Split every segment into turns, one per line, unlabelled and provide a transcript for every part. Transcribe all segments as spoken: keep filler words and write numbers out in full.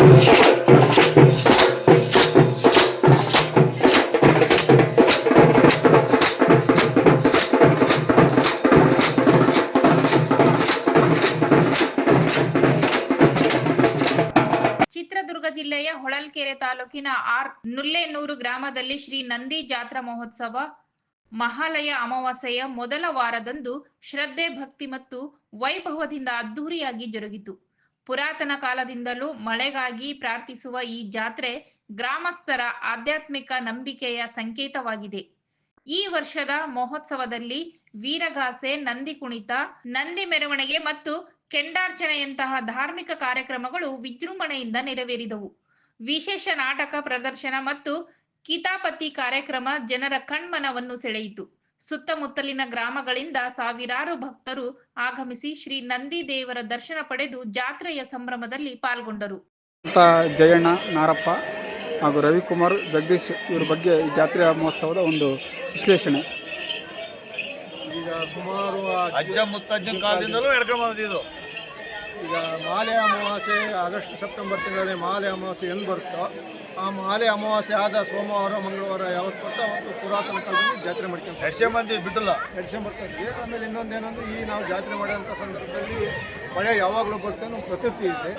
ಚಿತ್ರದುರ್ಗ ಜಿಲ್ಲೆಯ ಹೊಳಲ್ಕೆರೆ ತಾಲೂಕಿನ ಆರ್ ನುಲ್ಲೇನೂರು ಗ್ರಾಮದಲ್ಲಿ ಶ್ರೀ ನಂದಿ ಜಾತ್ರಾ ಮಹೋತ್ಸವ ಮಹಾಲಯ ಅಮಾವಾಸ್ಯೆಯ ಮೊದಲ ವಾರದಂದು ಶ್ರದ್ಧೆ ಭಕ್ತಿ ಮತ್ತು ವೈಭವದಿಂದ ಅದ್ದೂರಿಯಾಗಿ ಜರುಗಿತು. ಪುರಾತನ ಕಾಲದಿಂದಲೂ ಮಳೆಗಾಗಿ ಪ್ರಾರ್ಥಿಸುವ ಈ ಜಾತ್ರೆ ಗ್ರಾಮಸ್ಥರ ಆಧ್ಯಾತ್ಮಿಕ ನಂಬಿಕೆಯ ಸಂಕೇತವಾಗಿದೆ. ಈ ವರ್ಷದ ಮಹೋತ್ಸವದಲ್ಲಿ ವೀರಗಾಸೆ, ನಂದಿ ಕುಣಿತ, ನಂದಿ ಮೆರವಣಿಗೆ ಮತ್ತು ಕೆಂಡಾರ್ಚನೆಯಂತಹ ಧಾರ್ಮಿಕ ಕಾರ್ಯಕ್ರಮಗಳು ವಿಜೃಂಭಣೆಯಿಂದ ನೆರವೇರಿದವು. ವಿಶೇಷ ನಾಟಕ ಪ್ರದರ್ಶನ ಮತ್ತು ಕಿತಾಪತಿ ಕಾರ್ಯಕ್ರಮ ಜನರ ಕಣ್ಮನವನ್ನು ಸೆಳೆಯಿತು. ಸುತ್ತಮುತ್ತಲಿನ ಗ್ರಾಮಗಳಿಂದ ಸಾವಿರಾರು ಭಕ್ತರು ಆಗಮಿಸಿ ಶ್ರೀ ನಂದಿ ದೇವರ ದರ್ಶನ ಪಡೆದು ಜಾತ್ರೆಯ ಸಂಭ್ರಮದಲ್ಲಿ ಪಾಲ್ಗೊಂಡರು.
ಜಯಣ್ಣ, ನಾರಪ್ಪ ಹಾಗೂ ರವಿಕುಮಾರ್, ಜಗದೀಶ್ ಇವರ ಬಗ್ಗೆ ಈ ಜಾತ್ರೆಯ ಮಹೋತ್ಸವದ ಒಂದು ವಿಶ್ಲೇಷಣೆ.
ಈಗ ಸುಮಾರು
ಅಜ್ಜ ಮುತ್ತಜ್ಜನ ಕಾಲದಿಂದಲೂ ಹೇಳ್ಕೊಂಡು ಬಂದಿದ್ದು.
ಈಗ ಮಾಲೆ ಅಮಾವಾಸ್ಯೆ ಆಗಸ್ಟ್ ಸೆಪ್ಟೆಂಬರ್ ತಿಂಗಳಲ್ಲಿ ಮಾಲೆ ಅಮಾವಾಸ್ಯೆ ಎಂದು ಬರುತ್ತೋ ಆ ಮಾಲೆ ಅಮಾವಾಸ್ಯೆ ಆದ ಸೋಮವಾರ ಮಂಗಳವಾರ ಯಾವತ್ತು ಬರ್ತೋ ಅವತ್ತು ಪುರಾತನ ಕಾಲದಲ್ಲಿ ಜಾತ್ರೆ ಮಾಡ್ಕೊಂಡು
ನಡ್ಸ್ಕೊಂಬಂದ್ವಿ ಬಿಟ್ಟಲ್ಲ
ನಡ್ಸ್ಕೊಂಬರ್ತೀವಿ. ಆಮೇಲೆ ಇನ್ನೊಂದೇನಂದ್ರೆ ಈ ನಾವು ಜಾತ್ರೆ ಮಾಡೋಂಥ ಸಂದರ್ಭದಲ್ಲಿ ಮಳೆ ಯಾವಾಗಲೂ ಬರುತ್ತೆ ಅನ್ನೋ ಪ್ರತೀತಿ ಇದೆ.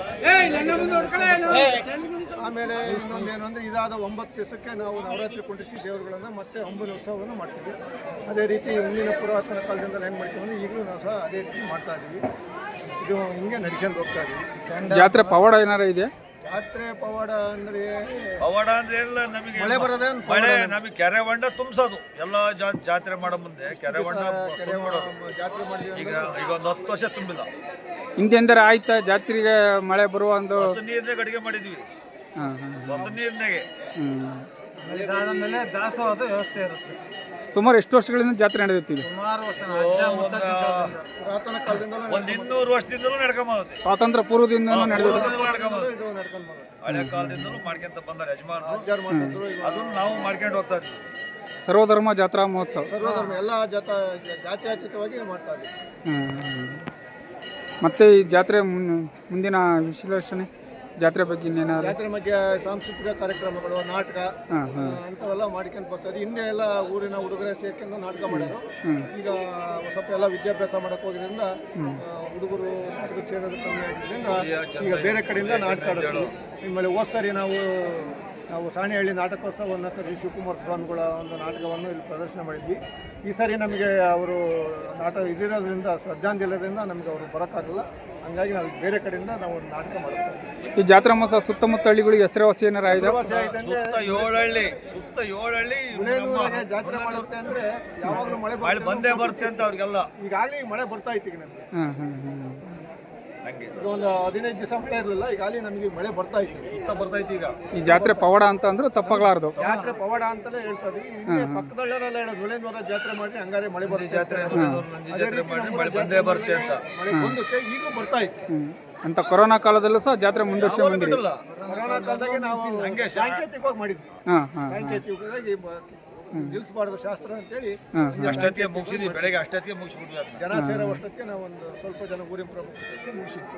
ಆಮೇಲೆ ಇನ್ನೊಂದೇನು ಅಂದರೆ ಇದಾದ ಒಂಬತ್ತು ದಿವಸಕ್ಕೆ ನಾವು ನವರಾತ್ರಿ ಕುಂಡಿಸಿ ದೇವರುಗಳನ್ನು ಮತ್ತೆ ಒಂಬತ್ತು ಉತ್ಸವವನ್ನು ಮಾಡ್ತೀವಿ. ಅದೇ ರೀತಿ ಮುಂದಿನ ಪುರಾತನ ಕಾಲದಿಂದ ಹೆಂಗೆ ಮಾಡ್ತೀವಿ ಅಂದರೆ ಈಗಲೂ ನಾವು ಸಹ ಅದೇ ರೀತಿ ಮಾಡ್ತಾ ಇದ್ದೀವಿ. ಇದು ಹಿಂಗೆ ನಡ್ಸ್ಕೊಂಡು ಹೋಗ್ತಾ ಇದ್ದೀವಿ.
ಜಾತ್ರೆ ಪವಾಡ ಏನಾರ ಇದೆ?
ಜಾತ್ರೆ ಪವಾಡ ಅಂದರೆ
ಪವಾಡ ಅಂದ್ರೆ ಎಲ್ಲ ನಮಗೆ
ಮಳೆ ಬರೋದೇ
ಮಳೆ ನಮಗೆ ಕೆರೆ ಹೊಂಡ ತುಂಬಿಸೋದು. ಎಲ್ಲ ಜಾತ್ರೆ ಮಾಡೋ ಮುಂದೆ ಕೆರೆ ಹೊಂಡ
ಕೆರೆ ಜಾತ್ರೆ ಮಾಡಿದ್ವಿ.
ಈಗ ಈಗ ಒಂದು ಹತ್ತು ವರ್ಷ ತುಂಬಿಲ್ಲ.
ಹಿಂದೆಂದರೆ ಆಯ್ತಾ ಜಾತ್ರೆಗೆ ಮಳೆ ಬರುವ ಒಂದು
ಹೊಸ ನೀರ್ನಾಗ ಅಡುಗೆ ಮಾಡಿದ್ವಿ. ಹೊಸ ನೀರ್ನಾಗೆ
ಮೇಲೆ ದಾಸವಾದ ವ್ಯವಸ್ಥೆ ಇರುತ್ತೆ.
ಸುಮಾರು ಎಷ್ಟು ವರ್ಷಗಳಿಂದ ಜಾತ್ರೆ ನಡೆಯುತ್ತಿದೆ?
ಸುಮಾರು ವರ್ಷ ಪುರಾತನ ಕಾಲದಿಂದ
ಒಂದು ಇನ್ನೂರು ವರ್ಷದಿಂದಲೂ ನಡ್ಕೊಂಬಂದಿ.
ಸ್ವಾತಂತ್ರ್ಯ ಪೂರ್ವದಿಂದ ನಡೆದಿದೆ.
ಹಳೆ ಕಾಲದಿಂದಲೂ ಮಾಡ್ಕೊಂತ ಬಂದಾರೆ ಯಜಮಾನರು. ಅದನ್ನು ನಾವು ಮಾಡ್ಕೊಂಡು ಹೋಗ್ತಾ ಇದ್ವಿ.
ಸರ್ವಧರ್ಮ ಜಾತ್ರಾ ಮಹೋತ್ಸವ
ಸರ್ವಧರ್ಮ ಎಲ್ಲ ಜಾತ ಜಾತ್ಯತೀತವಾಗಿ ಮಾಡ್ತಾ ಇದ್ದೀವಿ.
ಮತ್ತೆ ಈ ಜಾತ್ರೆ ಮುಂದಿನ ವಿಶ್ಲೇಷಣೆ ಜಾತ್ರೆ ಬಗ್ಗೆ ಇನ್ನೇನಾದ್ರು?
ಜಾತ್ರೆ ಬಗ್ಗೆ ಸಾಂಸ್ಕೃತಿಕ ಕಾರ್ಯಕ್ರಮಗಳು, ನಾಟಕ ಅಂಥವೆಲ್ಲ ಮಾಡ್ಕೊಂಡು ಬರ್ತಾರೆ. ಹಿಂದೆ ಎಲ್ಲ ಊರಿನ ಹುಡುಗರೇ ಸೇರ್ಕೊಂಡು ನಾಟಕ ಮಾಡೋರು. ಈಗ ಸ್ವಲ್ಪ ಎಲ್ಲ ವಿದ್ಯಾಭ್ಯಾಸ ಮಾಡೋಕೆ ಹೋಗಿದ್ದರಿಂದ ಹುಡುಗರು ನಾಟಕ ಸೇರೋದು ಕಮ್ಮಿ ಆಗಿದ್ದರಿಂದ ಈಗ ಬೇರೆ ಕಡೆಯಿಂದ ನಾಟಕ ಆಡೋದು. ಆಮೇಲೆ ಹೋದ ಸರಿ ನಾವು ನಾವು ಸಾಣೆಹಳ್ಳಿ ನಾಟಕೋತ್ಸವವನ್ನು ಕರೆಸಿ ಶಿವಕುಮಾರ್ ಸ್ವಾಮಿಗಳ ಒಂದು ನಾಟಕವನ್ನು ಇಲ್ಲಿ ಪ್ರದರ್ಶನ ಮಾಡಿದ್ವಿ. ಈ ಸಾರಿ ನಮಗೆ ಅವರು ನಾಟಕ ಇದಿರೋದ್ರಿಂದ ಶ್ರದ್ಧಾಂಜಲಿರೋದ್ರಿಂದ ನಮಗೆ ಅವರು ಬರೋಕ್ಕಾಗಲ್ಲ. ಹಂಗಾಗಿ ನಾವು ಬೇರೆ ಕಡೆಯಿಂದ ನಾವು ನಾಟಕ ಮಾಡ್ತೀವಿ.
ಈ ಜಾತ್ರಾ ಮಹೋತ್ಸವ ಸುತ್ತಮುತ್ತ ಹಳ್ಳಿಗಳಿಗೆ ಹೆಸರುವಾಸಿ ಏನಾರ ಇದೆ?
ಏಳಹಳ್ಳಿ ಸುತ್ತ ಏಳಹಳ್ಳಿ
ಜಾತ್ರೆ ಮಾಡುತ್ತೆ ಅಂದರೆ ಯಾವಾಗಲೂ ಮಳೆ
ಮಳೆ ಬಂದೇ ಬರುತ್ತೆ ಅಂತ ಅವ್ರಿಗೆಲ್ಲ.
ಈಗಾಗಲೇ ಮಳೆ ಬರ್ತಾ ಇತ್ತು. ಈಗ ನಮಗೆ
ಹಾಂ ಹಾಂ ಹಾಂ
ಒಂದು ಹದಿನೈದು ದಿವಸ ಮಳೆ ಇರಲಿಲ್ಲ. ಈಗಾಗಲೇ ನಮಗೆ ಮಳೆ ಬರ್ತಾ ಇತ್ತು,
ಸುತ್ತ ಬರ್ತಾ ಇತ್ತು. ಈಗ
ಈ ಜಾತ್ರೆ ಪವಾಡ ಅಂತ ಅಂದ್ರೆ ತಪ್ಪಾಗಲಾರ್ದು.
ಜಾತ್ರೆ ಪವಾಡ ಅಂತಲೇ ಹೇಳ್ತಾ ಇದ್ವಿ. ಇಲ್ಲಿ ಪಕ್ಕದಳ್ಳೆಲ್ಲ ಹೇಳೋದು ನುಳೇನೂರ ಜಾತ್ರೆ ಮಾಡಿ ಹಂಗಾರೆ ಮಳೆ ಬರುತ್ತೆ
ಜಾತ್ರೆ ಮಳೆ ಬಂದೇ ಬರುತ್ತೆ ಅಂತ.
ಮಳೆ ಬಂದುತ್ತೆ, ಈಗಲೂ ಬರ್ತಾ ಇತ್ತು.
ಅಂತ ಕೊರೋನಾ ಕಾಲದಲ್ಲೂ ಸಹ ಜಾತ್ರೆ ಮುಂದುವರ್ಸ್ಕೊಂಡು ಬಂದಿಲ್ಲ.
ಕೊರೋನಾ ಕಾಲದಾಗೆ ನಾವು ಹಂಗೆ ಸಾಂಕೇತಿಕವಾಗಿ ಮಾಡಿದ್ವಿ.
ಹಾಂ ಹಾಂ
ಸಾಂಕೇತಿಕವಾಗಿ ನಿಲ್ಲಿಸಬಾರ್ದು ಶಾಸ್ತ್ರ ಅಂತೇಳಿ
ಅಷ್ಟೊತ್ತಿಗೆ ಮುಗಿಸಿದ್ವಿ. ಬೆಳಗ್ಗೆ ಅಷ್ಟೊತ್ತಿಗೆ ಮುಗಿಸ್ಬಿಟ್ವಿ.
ಜನ ಸೇರೋ ಅಷ್ಟೊತ್ತಿಗೆ ನಾವು ಒಂದು ಸ್ವಲ್ಪ ಜನ ಊರಿನ ಪ್ರಮುಖಕ್ಕೆ ಮುಗಿಸಿದ್ವಿ.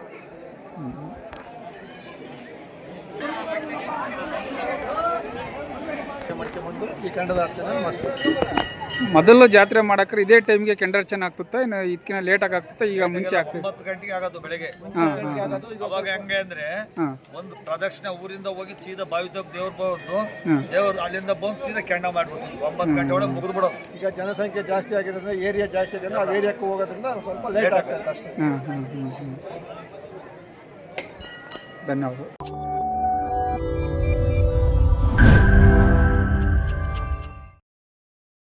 ಮಾಡ್ಕೊಂಡು ಈ ಕೆಂಡದಾರ್ಚನೆ ಮಾಡ್ತೀವಿ.
ಮೊದಲು ಜಾತ್ರೆ ಮಾಡಕ್ರೆ ಇದೇ ಟೈಮ್ಗೆ ಕೆಂಡಾರ್ಚನೆ ಆಗ್ತುತ್ತಾ ಇನ್ನು ಇದಕ್ಕಿಂತ ಲೇಟಾಗಿ ಆಗ್ತುತ್ತಾ? ಈಗ ಮುಂಚೆ ಆಗ್ತದೆ
ಒಂಬತ್ತು ಗಂಟೆಗೆ ಆಗೋದು ಬೆಳಗ್ಗೆ. ಅವಾಗ ಹೆಂಗೆ ಅಂದ್ರೆ ಒಂದು ಪ್ರದಕ್ಷಿಣೆ ಊರಿಂದ ಹೋಗಿ ಸೀದಾ ಬಾವಿ ತಪ್ಪ ದೇವ್ರ ಬಂದು ದೇವ್ರು ಅಲ್ಲಿಂದ ಬಂದು ಸೀದಾ ಕೆಂಡ ಮಾಡ್ಬಿಡ್ತೀವಿ. ಒಂಬತ್ತು ಗಂಟೆ ಒಳಗೆ ಮುಗಿದು ಬಿಡೋದು. ಈಗ
ಜನಸಂಖ್ಯೆ ಜಾಸ್ತಿ ಆಗಿರೋದ್ರಿಂದ ಏರಿಯಾ ಜಾಸ್ತಿ ಆಗಿದೆ. ಆ ಏರಿಯಾಕ್ಕೆ ಹೋಗೋದ್ರಿಂದ ಸ್ವಲ್ಪ ಲೇಟ್ ಆಗ್ತದೆ ಅಷ್ಟೇ.
ಧನ್ಯವಾದ.